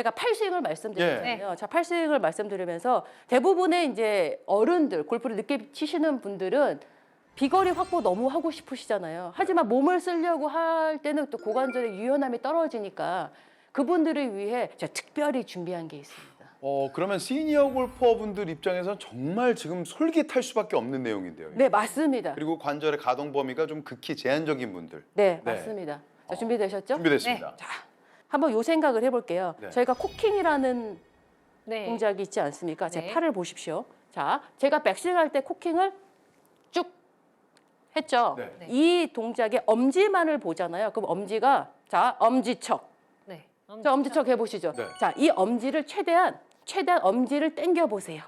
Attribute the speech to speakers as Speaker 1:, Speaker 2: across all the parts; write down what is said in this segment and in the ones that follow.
Speaker 1: 제가 팔스윙을 말씀드렸잖아요.
Speaker 2: 네.
Speaker 1: 자, 팔스윙을 말씀드리면서 대부분의 이제 어른들, 골프를 늦게 치시는 분들은 비거리 확보 너무 하고 싶으시잖아요. 하지만 몸을 쓰려고 할 때는 또 고관절의 유연함이 떨어지니까 그분들을 위해 제가 특별히 준비한 게 있습니다.
Speaker 3: 그러면 시니어 골퍼분들 입장에서는 정말 지금 솔깃할 수밖에 없는 내용인데요.
Speaker 1: 네, 맞습니다.
Speaker 3: 그리고 관절의 가동 범위가 좀 극히 제한적인 분들.
Speaker 1: 네,
Speaker 3: 네.
Speaker 1: 맞습니다. 자, 준비되셨죠?
Speaker 3: 준비됐습니다.
Speaker 1: 자, 한번 요 생각을 해볼게요.
Speaker 3: 네.
Speaker 1: 저희가 코킹이라는
Speaker 2: 네.
Speaker 1: 동작이 있지 않습니까? 제
Speaker 2: 네.
Speaker 1: 팔을 보십시오. 자, 제가 백스윙 할 때 코킹을 쭉 했죠.
Speaker 3: 네.
Speaker 2: 네.
Speaker 1: 이 동작의 엄지만을 보잖아요. 그럼 엄지가 자 엄지척.
Speaker 2: 네.
Speaker 1: 자 엄지척 해보시죠.
Speaker 3: 네.
Speaker 1: 자, 이 엄지를 최대한 엄지를 당겨 보세요.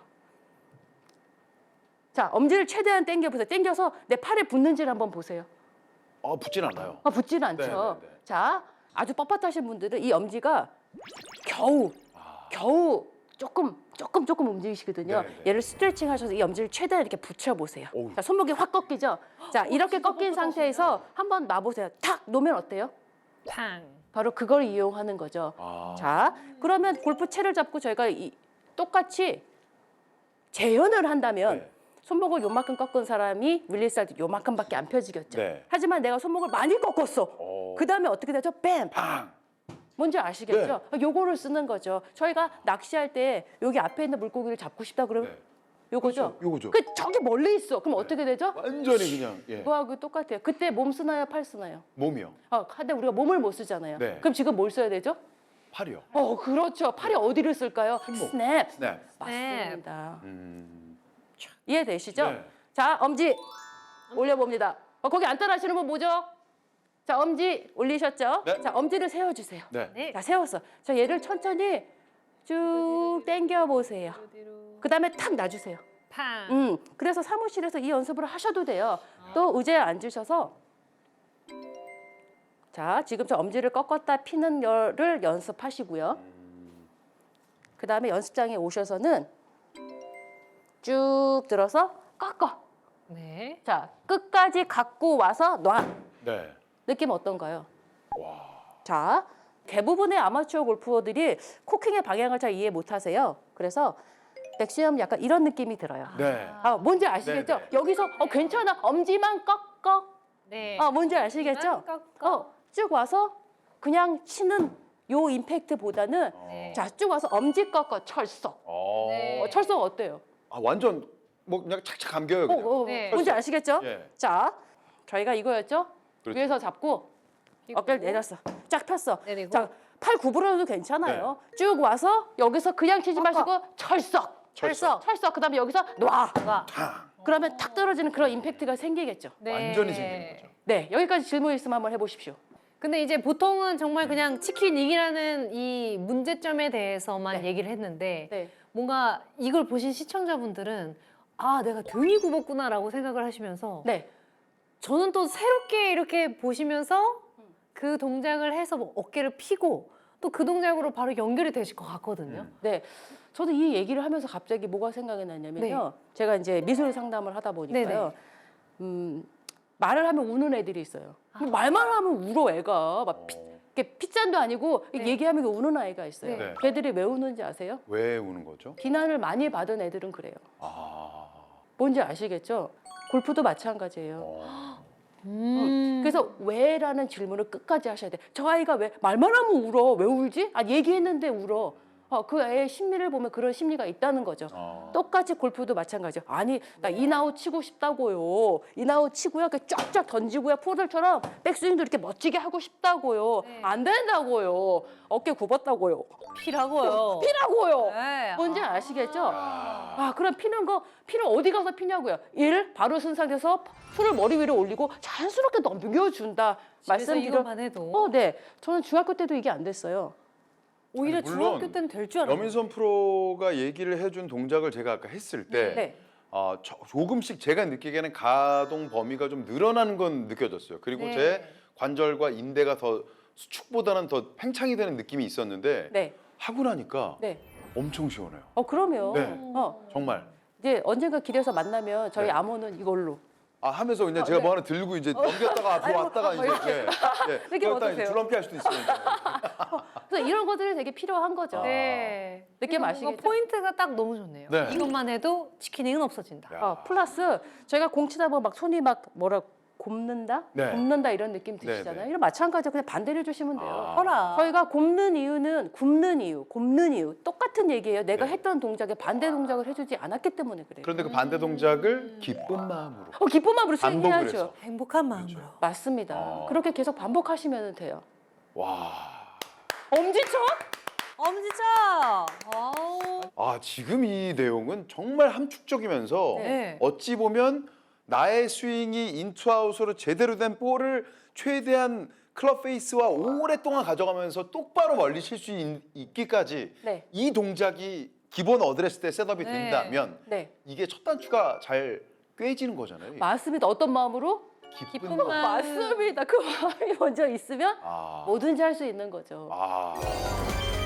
Speaker 1: 자, 엄지를 최대한 당겨 보세요. 당겨서 내 팔에 붙는지를 한번 보세요.
Speaker 3: 붙진 않아요.
Speaker 1: 붙진 않죠.
Speaker 3: 네, 네, 네.
Speaker 1: 자, 아주 뻣뻣하신 분들은 이 엄지가 겨우 조금 움직이시거든요.
Speaker 3: 네, 네.
Speaker 1: 얘를 스트레칭 하셔서 이 엄지를 최대한 이렇게 붙여보세요.
Speaker 3: 어우.
Speaker 1: 자, 손목이 확 꺾이죠? 자, 이렇게 꺾인 상태에서 한번 놔보세요. 탁 놓으면 어때요?
Speaker 2: 팡.
Speaker 1: 바로 그걸 이용하는 거죠.
Speaker 3: 아.
Speaker 1: 자, 그러면 골프채를 잡고 저희가 똑같이 재현을 한다면
Speaker 3: 네.
Speaker 1: 손목을 요만큼 꺾은 사람이 릴리스 할 때 요만큼밖에 안 펴지겠죠.
Speaker 3: 네.
Speaker 1: 하지만 내가 손목을 많이 꺾었어. 그 다음에 어떻게 되죠? 뱀!
Speaker 3: 팡!
Speaker 1: 뭔지 아시겠죠? 요거를 쓰는 거죠. 저희가 낚시할 때 여기 앞에 있는 물고기를 잡고 싶다 그러면
Speaker 3: 네.
Speaker 1: 요거죠.
Speaker 3: 그렇죠, 요거죠.
Speaker 1: 그 저기 멀리 있어. 그럼 어떻게 되죠?
Speaker 3: 완전히 그냥
Speaker 1: 그거하고 똑같아요. 그때 몸 쓰나요, 팔 쓰나요?
Speaker 3: 몸이요.
Speaker 1: 근데 우리가 몸을 못 쓰잖아요.
Speaker 3: 네.
Speaker 1: 그럼 지금 뭘 써야 되죠?
Speaker 3: 팔이요.
Speaker 1: 그렇죠. 팔이 어디를 쓸까요? 스냅.
Speaker 3: 스냅.
Speaker 1: 맞습니다.
Speaker 3: 음.
Speaker 1: 이해되시죠?
Speaker 3: 네.
Speaker 1: 자, 엄지 올려봅니다. 거기 안 따라하시는 분 뭐죠? 자, 엄지 올리셨죠?
Speaker 3: 네.
Speaker 1: 자, 엄지를 세워주세요.
Speaker 3: 네.
Speaker 2: 네.
Speaker 1: 자, 세웠어. 자, 얘를 천천히 쭉 당겨 보세요. 그 다음에 탁 놔주세요.
Speaker 2: 팡.
Speaker 1: 그래서 사무실에서 이 연습을 하셔도 돼요. 또 의자에 앉으셔서 자, 지금 저 엄지를 꺾었다 피는 거를 연습하시고요. 그 다음에 연습장에 오셔서는 쭉 들어서 꺾어.
Speaker 2: 네.
Speaker 1: 자, 끝까지 갖고 와서 놔.
Speaker 3: 네.
Speaker 1: 느낌 어떤가요?
Speaker 3: 와.
Speaker 1: 자, 대부분의 아마추어 골퍼들이 코킹의 방향을 잘 이해 못하세요. 그래서 백스윙 약간 이런 느낌이 들어요.
Speaker 3: 네.
Speaker 1: 뭔지 아시겠죠?
Speaker 3: 네, 네.
Speaker 1: 여기서 괜찮아. 엄지만 꺾어.
Speaker 2: 네.
Speaker 1: 뭔지 아시겠죠?
Speaker 2: 꺾어.
Speaker 1: 쭉 와서 그냥 치는 요 임팩트보다는
Speaker 2: 네.
Speaker 1: 자, 쭉 와서 엄지 꺾어 철썩.
Speaker 2: 네.
Speaker 1: 철썩 어때요?
Speaker 3: 완전 뭐 그냥 착착 감겨요. 그냥.
Speaker 2: 네.
Speaker 1: 뭔지 아시겠죠?
Speaker 3: 예.
Speaker 1: 자, 저희가 이거였죠?
Speaker 3: 그렇죠.
Speaker 1: 위에서 잡고 어깨를 내렸어. 쫙 폈어.
Speaker 2: 내리고.
Speaker 1: 자, 팔 구부려도 괜찮아요. 쭉 와서 여기서 그냥 치지 마시고 철썩. 그다음에 여기서 놔.
Speaker 3: 탕.
Speaker 1: 그러면 탁 떨어지는 그런 임팩트가 생기겠죠.
Speaker 2: 네.
Speaker 3: 완전히 생기는 거죠.
Speaker 1: 네, 여기까지 질문 있으면 한번 해보십시오.
Speaker 2: 근데 이제 보통은 정말 그냥 치킨 이기라는 이 문제점에 대해서만
Speaker 1: 네.
Speaker 2: 얘기를 했는데
Speaker 1: 네.
Speaker 2: 뭔가 이걸 보신 시청자분들은 내가 등이 굽었구나라고 생각을 하시면서
Speaker 1: 네.
Speaker 2: 저는 또 새롭게 이렇게 보시면서 그 동작을 해서 뭐 어깨를 펴고 또 그 동작으로 바로 연결이 되실 것 같거든요.
Speaker 1: 네. 저도 이 얘기를 하면서 갑자기 뭐가 생각이 났냐면요. 제가 이제 미술 상담을 하다 보니까요. 말을 하면 우는 애들이 있어요. 말만 하면 울어 애가. 막 이렇게 핏잔도 아니고
Speaker 2: 네.
Speaker 1: 얘기하면 우는 아이가 있어요.
Speaker 3: 네.
Speaker 1: 걔들이 왜 우는지 아세요?
Speaker 3: 왜 우는 거죠?
Speaker 1: 비난을 많이 받은 애들은 그래요.
Speaker 3: 아.
Speaker 1: 뭔지 아시겠죠? 골프도 마찬가지예요.
Speaker 3: 어.
Speaker 1: 그래서 왜라는 질문을 끝까지 하셔야 돼. 저 아이가 왜 말만 하면 울어? 왜 울지? 얘기했는데 울어. 그 애의 심리를 보면 그런 심리가 있다는 거죠. 똑같이 골프도 마찬가지예요. 아니, 나 인아웃 치고 싶다고요. 인아웃 치고요. 이렇게 쫙쫙 던지고요. 프로들처럼 백스윙도 이렇게 멋지게 하고 싶다고요.
Speaker 2: 네.
Speaker 1: 안 된다고요. 어깨 굽었다고요.
Speaker 2: 피라고요.
Speaker 1: 피라고요.
Speaker 2: 네.
Speaker 1: 뭔지 아시겠죠? 그럼 피는 어디 가서 피냐고요. 1, 바로 쓴 상태에서 손을 머리 위로 올리고 자연스럽게 넘겨준다.
Speaker 2: 집에서
Speaker 1: 말씀드려.
Speaker 2: 이것만 해도
Speaker 1: 네. 저는 중학교 때도 이게 안 됐어요.
Speaker 2: 오히려
Speaker 3: 아니, 물론
Speaker 2: 중학교 때는 될 줄 알았어요.
Speaker 3: 여민선 프로가 얘기를 해준 동작을 제가 아까 했을 때
Speaker 1: 네.
Speaker 3: 조금씩 제가 느끼기에는 가동 범위가 좀 늘어나는 건 느껴졌어요. 그리고
Speaker 2: 네.
Speaker 3: 제 관절과 인대가 더 수축보다는 더 팽창이 되는 느낌이 있었는데
Speaker 1: 네.
Speaker 3: 하고 나니까
Speaker 1: 네.
Speaker 3: 엄청 시원해요.
Speaker 1: 그럼요.
Speaker 3: 네. 정말.
Speaker 1: 이제 언젠가 길에서 만나면 저희
Speaker 3: 네.
Speaker 1: 암호는 이걸로
Speaker 3: 아 하면서 그냥 제가
Speaker 1: 네.
Speaker 3: 뭐 하나 들고 이제 넘겼다가 앞으로 왔다가 이제
Speaker 1: 이렇게
Speaker 3: 그러다
Speaker 1: 어떠세요?
Speaker 3: 줄넘기 할 수도 있으니까.
Speaker 1: 그래서 이런 것들이 되게 필요한 거죠.
Speaker 2: 네.
Speaker 1: 느낌
Speaker 2: 뭔가
Speaker 1: 아시겠죠?
Speaker 2: 포인트가 딱 너무 좋네요.
Speaker 3: 네.
Speaker 2: 이것만 해도 치킨잉은 없어진다.
Speaker 3: 야.
Speaker 1: 플러스 저희가 공치다 보면 막 손이 막 뭐라 굽는다?
Speaker 3: 네.
Speaker 1: 굽는다 이런 느낌 드시잖아요.
Speaker 3: 네.
Speaker 1: 이런 마찬가지로 그냥 반대로 해주시면 돼요.
Speaker 3: 아.
Speaker 2: 허라.
Speaker 1: 저희가 굽는 이유는 굽는 이유 똑같은 얘기예요. 내가 했던 동작에 반대 동작을 해주지 않았기 때문에 그래요.
Speaker 3: 그런데 그 반대 동작을 기쁜 마음으로.
Speaker 1: 기쁜 마음으로
Speaker 3: 반복을
Speaker 1: 수행해야죠.
Speaker 3: 해서.
Speaker 2: 행복한 마음으로.
Speaker 1: 맞습니다. 그렇게 계속 반복하시면 돼요.
Speaker 3: 와.
Speaker 1: 엄지척?
Speaker 2: 엄지척. 아우.
Speaker 3: 아 지금 이 내용은 정말 함축적이면서
Speaker 2: 네.
Speaker 3: 어찌 보면 나의 스윙이 인투아웃으로 제대로 된 볼을 최대한 클럽 페이스와 오랫동안 가져가면서 똑바로 멀리 칠 수 있기까지
Speaker 1: 네.
Speaker 3: 이 동작이 기본 어드레스 때 셋업이
Speaker 2: 네.
Speaker 3: 된다면
Speaker 1: 네.
Speaker 3: 이게 첫 단추가 잘 꿰지는 거잖아요.
Speaker 1: 맞습니다. 어떤 마음으로?
Speaker 3: 기쁜
Speaker 2: 마음.
Speaker 3: 마음.
Speaker 1: 맞습니다. 그 마음이 먼저 있으면
Speaker 3: 아.
Speaker 1: 뭐든지 할 수 있는 거죠.
Speaker 3: 아.